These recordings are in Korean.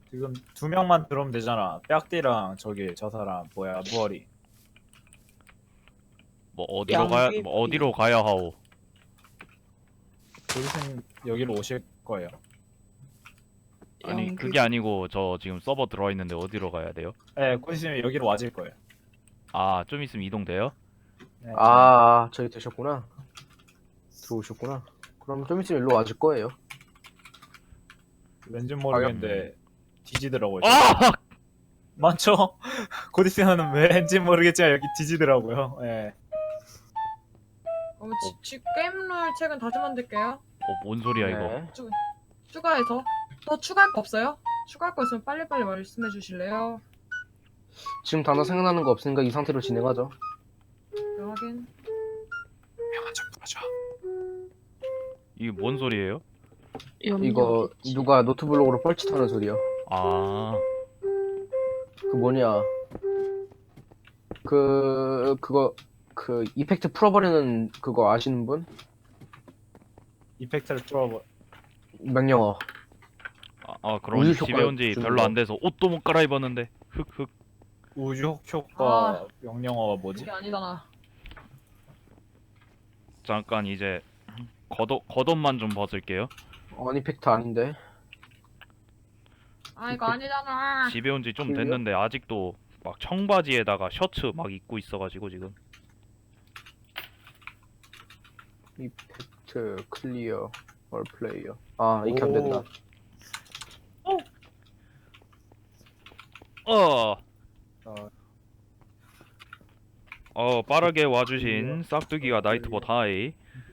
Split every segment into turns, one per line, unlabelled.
지금 2명만 들어오면 되잖아. 빽띠랑 저기 저 사람 뭐야 무얼이.
뭐 어디로 가야 하오?
고디스님 여기로 오실 거예요.
아니 그게 아니고 저 지금 서버 들어와 있는데 어디로 가야 돼요?
네, 고디스님 여기로 와질 거예요.
아, 좀 있으면 이동돼요?
네,
저기 되셨구나. 들어오셨구나. 그럼 좀 있으면 일로 와줄 거예요.
왠지 모르겠는데 뒤지더라고요.
아!
많죠? 고디스님은 왠지 모르겠지만 여기 뒤지더라고요. 예.
게임룰 책은 다시 만들게요.
뭔 소리야 이거?
네.
추가해서 더 추가할 거 없어요? 추가할 거 있으면 빨리빨리 말씀해 주실래요?
지금 단어 생각나는 거 없으니까 이 상태로 진행하죠.
네, 확인.
명한 척 하죠.
이게 뭔 소리예요?
이거 누가 노트블록으로 뻘짓하는 소리야.
아,
그 뭐냐. 그거 이펙트 풀어버리는 그거 아시는 분?
이펙트를 풀어버.
명령어.
그럼
우유
집에
효과
온 지
주는
별로
거.
안 돼서 옷도 못 갈아입었는데. 흑흑.
우주 효과 명령어가 뭐지?
그게 아니잖아.
잠깐 이제 겉옷만 좀 벗을게요.
어니펙트 아닌데.
아 이거 아니잖아.
집에 온 지 좀
그래요?
됐는데 아직도 막 청바지에다가 셔츠 막 입고 있어가지고 지금.
이펙트 클리어 얼 플레이어. 이렇게 하면 된다.
빠르게 와주신 싹두기가 나이트봇 하이.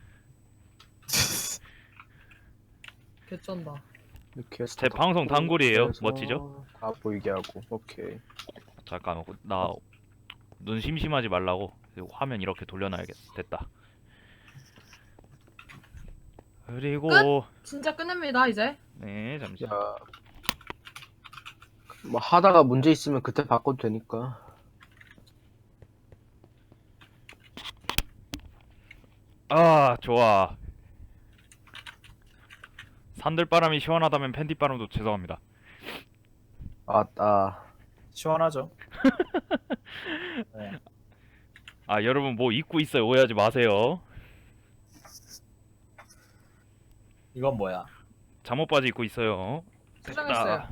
개쩐다.
이렇게 해서
제 방송 단골이에요.
해서
멋지죠?
다 보이게 하고. 오케이.
잠깐 나 눈 심심하지 말라고 화면 이렇게 돌려놔야겠다. 됐다. 그리고
진짜 끝냅니다 이제.
네 잠시.
자, 뭐 하다가 문제 있으면 그때 바꿔도 되니까.
아 좋아. 산들바람이 시원하다면 팬티바람도 죄송합니다.
시원하죠? 네.
여러분 뭐 입고 있어요. 오해하지 마세요.
이건 뭐야?
잠옷 바지 입고 있어요.
수정했어요.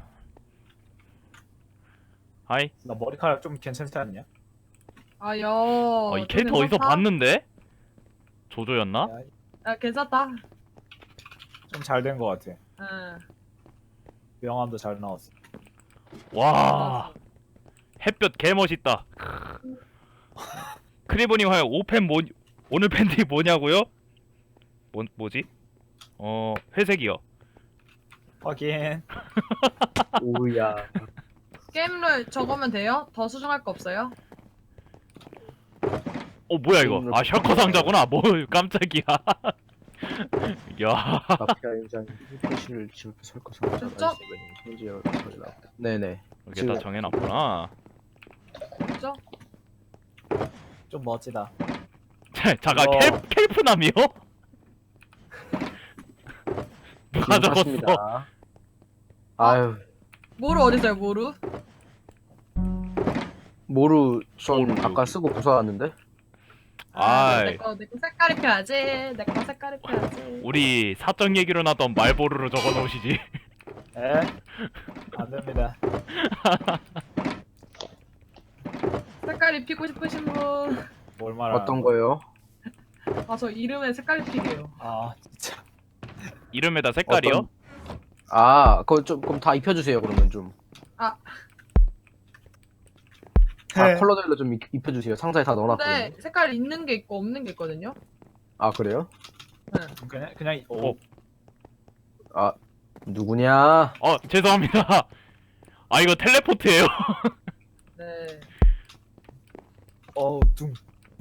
하이.
나 머리카락 좀 괜찮지 않냐?
아여.
이 캐릭터 어디서 봤는데? 조조였나?
아 괜찮다.
좀 잘 된 거 같아.
응.
명함도 잘 나왔어.
와 햇볕 개멋있다. 크리보님 하여 오늘 팬티 뭐냐고요? 뭐지? 회색이요.
확인.
오야.
게임룰 적으면 돼요? 더 수정할 거 없어요?
뭐야 이거? 셔커 상자구나. 뭐 깜짝이야. 야.
마피아 인상 표시를 지금 설거
됐죠?
네네.
이렇게 다 정해놨구나.
됐죠?
좀 멋지다.
잠깐 켈프남이요? 누가 적었어?
아유,
모루 어딨어요 모루?
모루 전
모루.
아까 쓰고 부숴왔는데.
아이.
내거 색깔 입혀야지. 내거 색깔 입혀야지.
우리 사적 얘기로 나던 말보루로 적어놓으시지.
에? 안 됩니다.
색깔 입히고 싶으신 분.
뭘 말하는
어떤 거요?
저 이름에 색깔 입히게요.
진짜.
이름에다 색깔이요?
그거 좀 그럼 다 입혀주세요. 그러면 좀. 컬러별로 좀 입혀주세요. 상자에 다 넣어놨거든요.
근데 색깔 있는 게 있고 없는 게 있거든요.
그래요?
그냥
누구냐?
죄송합니다. 이거 텔레포트예요.
네.
둥.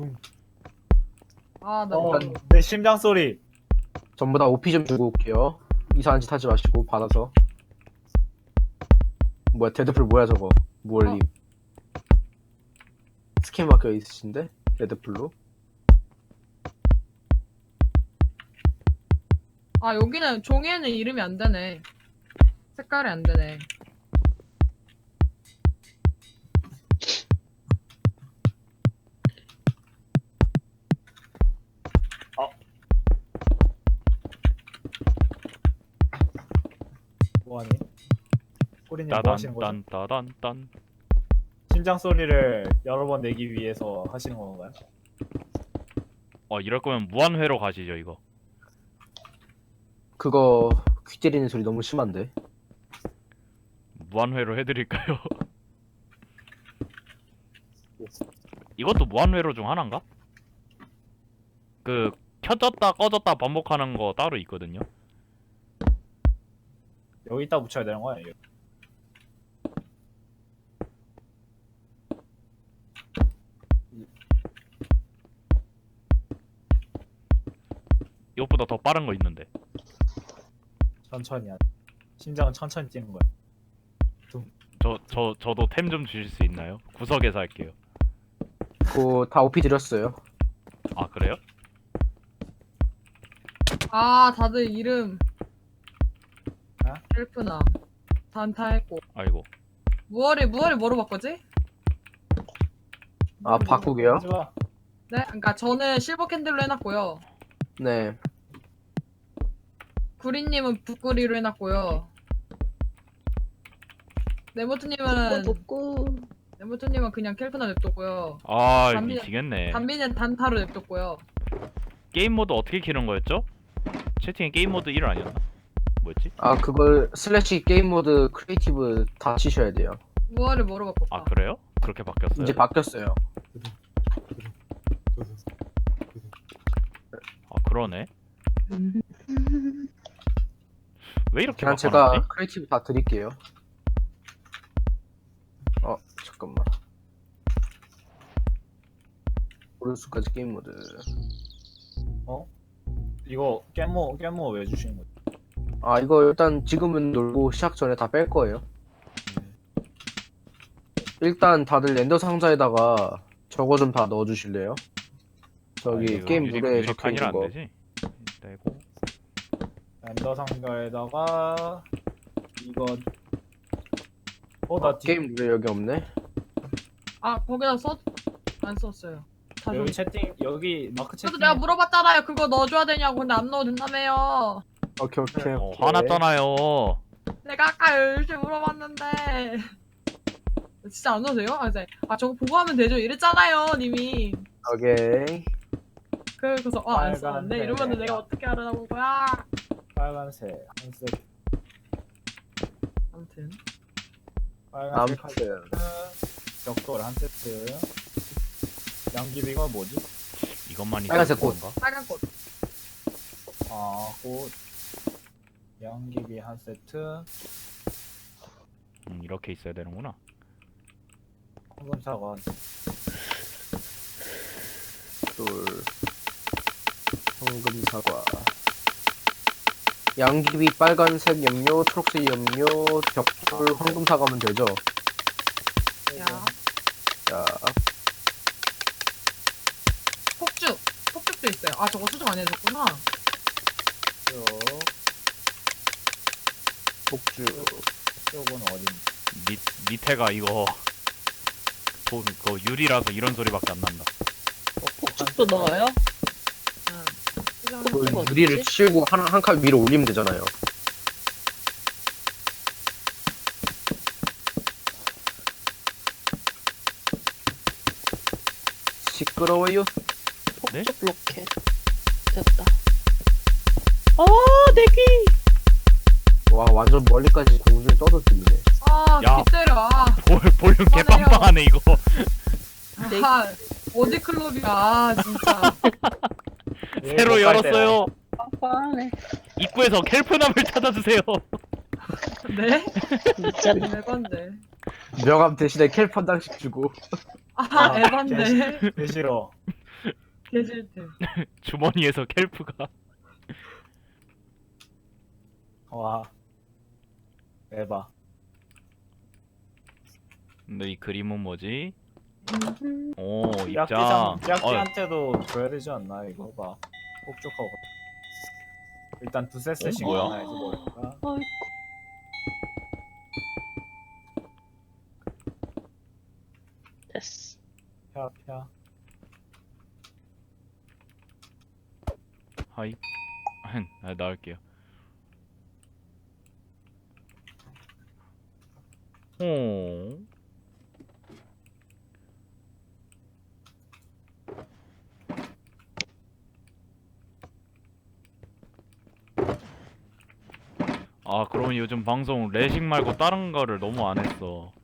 나
내 심장 소리.
전부 다 OP 좀 주고 올게요. 이상한 짓 하지 마시고 받아서. 뭐야 데드풀 뭐야 저거? 무얼님. 스캔 막혀 있으신데? 데드풀로?
여기는 종이에는 이름이 안 되네. 색깔이 안 되네.
꾸리님 뭐 하시는 거죠?
따단딴따단딴.
심장 소리를 여러 번 내기 위해서 하시는 건가요?
이럴 거면 무한회로 가시죠 이거.
그거 귀 때리는 소리 너무 심한데.
무한회로 해드릴까요? 이것도 무한회로 중 하나인가? 그 켜졌다 꺼졌다 반복하는 거 따로 있거든요.
여기다 붙여야 되는 거야 이거.
이것보다 더 빠른 거 있는데.
천천히 하. 심장은 천천히 뛰는 거야.
저도 템 좀 주실 수 있나요? 구석에서 할게요.
그거 다 OP 드렸어요.
아 그래요?
아 다들 이름
어?
헬프나 단타 했고
아이고.
무얼이 뭐로 바꾸지?
아, 바꾸게요?
하지 마.
네, 그러니까 저는 실버 캔들로 해놨고요.
네.
구리님은 북구리로 해놨고요. 네모트님은 그냥 캘프나 냅뒀고요.
아
담비-
미치겠네.
담비는 단타로 냅뒀고요.
게임 모드 어떻게 키는 거였죠? 채팅에 게임 모드 1 아니었나? 뭐였지?
아, 그걸 슬래시 게임 모드 크리에이티브 다 치셔야 돼요.
무얼을 뭐로 바꿀까?
아 그래요? 그렇게 바뀌었어요?
이제 바뀌었어요.
아 그러네. 왜 이렇게
그냥
바꿔놨지?
제가 크리에이티브 다 드릴게요. 잠깐만. 오른수까지 게임 모드.
이거 깻모 왜 주시는 거지?
아, 이거 일단 지금은 놀고 시작 전에 다 뺄 거예요. 일단 다들 렌더 상자에다가 저거 좀 다 넣어주실래요? 저기
이거
게임 룰에 적혀
유리칸이라
있는
안
거.
되지? 떼고.
렌더 상자에다가 이거 나
게임 룰에 여기 없네.
아 거기다 안 썼어요. 다
여기
줬-
채팅 여기 마크 채팅
저도 내가 물어봤잖아요. 그거 넣어줘야 되냐고. 근데 안 넣어도 된다며요.
오케이.
화났잖아요.
내가 아까 열심히 물어봤는데 진짜 안 넣어도 돼요? 저거 보고 하면 되죠 이랬잖아요 님이.
오케이.
그래서 안 썼는데
빨간색.
이러면 내가 어떻게 알아보고 거야.
빨간색 한 세트,
아무튼
빨간색 한
아무튼
세트, 벽돌 한 세트. 양귀비가 뭐지?
이것만
빨간색
있는
꽃.
건가?
빨간 꽃.
꽃. 양귀비 한 세트.
이렇게 있어야 되는구나.
황금사과.
돌. 황금 사과. 양귀비 빨간색 염료, 초록색 염료, 벽돌, 황금 사과면 되죠.
야
자,
폭죽도 있어요. 아 저거 수정 안 해줬구나.
쭉.
복주.
쪽은 어딘?
밑에가 이거 그거 유리라서 이런 소리밖에 안 난다.
폭죽도 넣어요?
응.
그
어디지?
유리를 치우고 한 칸 위로 올리면 되잖아요. 시끄러워요.
네?
폭죽 로켓. 됐다. 내 귀!
와, 완전 멀리까지 공중에 떠들리네.
야.
기때려.
볼륨 개빵빵하네 이거.
어디 클럽이야 진짜.
새로 열었어요.
빵빵하네.
입구에서 켈프남을 찾아주세요.
네?
진짜네.
에반데.
명함 대신에 캘 한 장씩 주고.
에반데.
개 싫어.
개질템.
주머니에서 켈프가.
와. 에바.
근데 이 그림은 뭐지?
음,
오 입장.
짝지한테도 줘야 되지 않나 이거 봐. 폭죽하고. 일단 두세 세씩
뭐야?
하나 해서 볼까?
아이고. 됐어.
펴.
하이. 나올게요. 어. 아, 그러면 요즘 방송 레식 말고 다른 거를 너무 안 했어.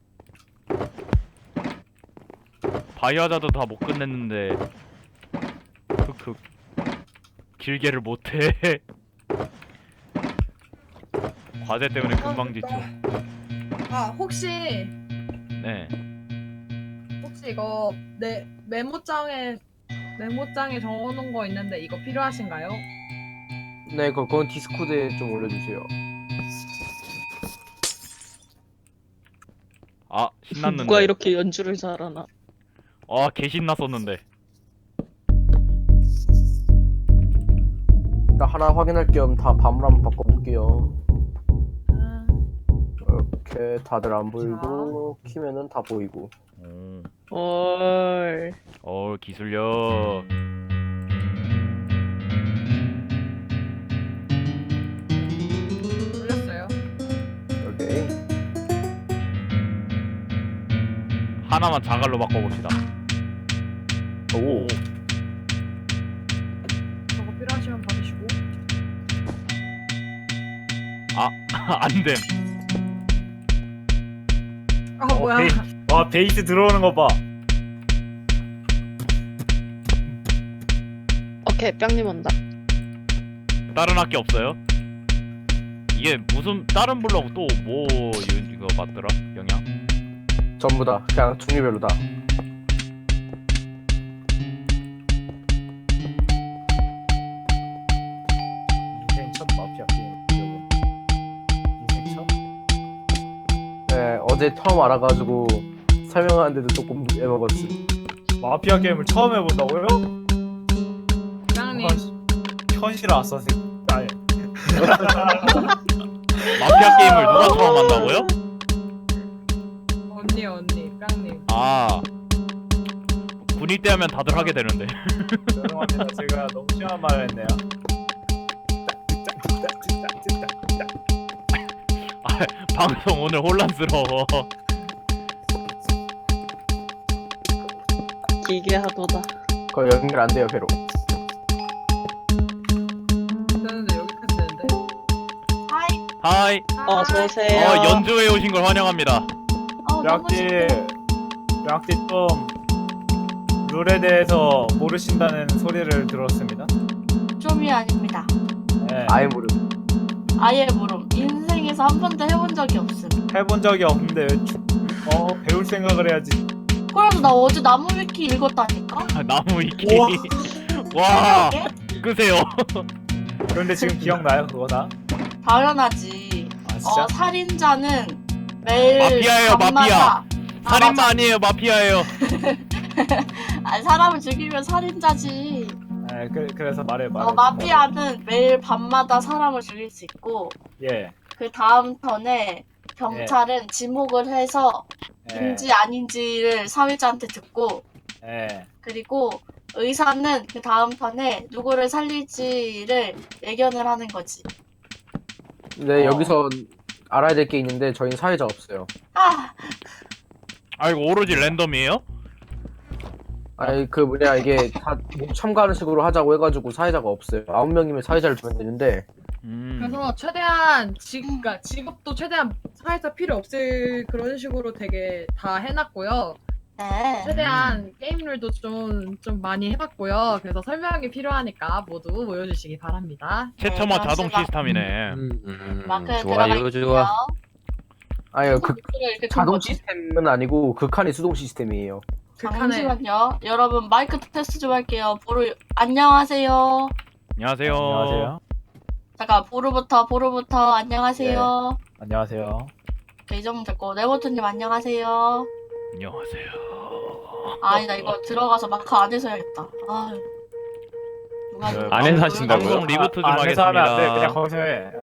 바이오하자도 다 못 끝냈는데 흑흑 길게를 못해. 과제 때문에 금방 지쳐.
아 혹시
네.
이거 내 메모장에 적어놓은 거 있는데 이거 필요하신가요?
네, 그건 디스코드에 좀 올려주세요.
아, 신났는데.
누가 이렇게 연주를 잘하나?
아, 개 신났었는데.
일단 하나 확인할 겸 다 밤을 한번 바꿔볼게요. 이렇게 다들 안 보이고 키면은 다 보이고.
헐.
기술력.
올렸어요.
오케이.
하나만 자갈로 바꿔봅시다.
오.
저거 필요하시면 받으시고.
안됨.
아 뭐야?
와 베이스 들어오는 거 봐.
오케이, 뿅님 온다.
다른 학기 없어요? 이게 무슨 다른 블럭 또 뭐 이거 맞더라? 영향?
전부 다 그냥 종류별로 다.
인생 첫 마피아 게임. 인생 첫?
네, 어제 처음 알아가지고 설명하는데도 조금 애먹었어.
마피아 게임을 처음 해본다고요?
부장님.
현실 아싸 새끼. 아니.
마피아 게임을 누가 처음 한다고요?
언니 깡님.
아, 군이 때 하면 다들 하게 되는데.
죄송합니다. 제가 너무 심한 말을 했네요.
방송 오늘 혼란스러워.
기계하도다.
그거 연결 안 돼요, 배로.
되는데 여기까지 되는데.
하이.
어서오세요.
연주회 오신 걸 환영합니다.
량띠 좀 룰에 대해서 모르신다는 소리를 들었습니다.
좀이 아닙니다.
네.
아예 모르.
아예 모름. 인생에서 한 번도 해본 적이 없음.
해본 적이 없는데 왜 배울 생각을 해야지.
그래도 나 어제 나무위키 읽었다니까?
나무 위키.
우와.
와,
이게?
끄세요.
그런데 지금 기억나요 그거 다?
당연하지.
아 진짜?
살인자는 매일
마피아예요,
밤마다-
마피아.
아,
살인마
맞아.
아니에요, 마피아예요.
아니, 사람을 죽이면 살인자지.
네, 그래서 말해.
마피아는 매일 밤마다 사람을 죽일 수 있고,
예.
그 다음 턴에 경찰은 지목을 해서
예.
인지 아닌지를 사회자한테 듣고,
예.
그리고 의사는 그 다음 턴에 누구를 살릴지를 예견을 하는 거지.
네, 여기서 알아야 될 게 있는데 저희는 사회자 없어요.
아, 이거 오로지 랜덤이에요?
아니 그 뭐냐 이게 다 참가하는 식으로 하자고 해가지고 사회자가 없어요. 9명이면 사회자를 두면 되는데
그래서 최대한 그러니까 직업도 최대한 사회자 필요 없을 그런 식으로 되게 다 해놨고요.
네.
최대한 게임룰도 좀 많이 해봤고요. 그래서 설명이 필요하니까 모두 모여주시기 바랍니다.
최첨화
네,
자동
잠시만.
시스템이네.
마크에 들어가 있고요.
아니요 그
이렇게
자동
거지?
시스템은 아니고 극한의 수동 시스템이에요.
잠시만요. 여러분 마이크 테스트 좀 할게요. 보루 안녕하세요.
안녕하세요.
안녕하세요.
잠깐 보루부터 안녕하세요.
안녕하세요.
이 정도 됐고 네버트님 안녕하세요.
안녕하세요.
아니다 이거 들어가서 마크 안에서 해야겠다. 아 누가
네,
안에서 하신다고요?
방송 리부트 좀
안에서 하면 안 돼.
하겠습니다.
그냥 거기서 해.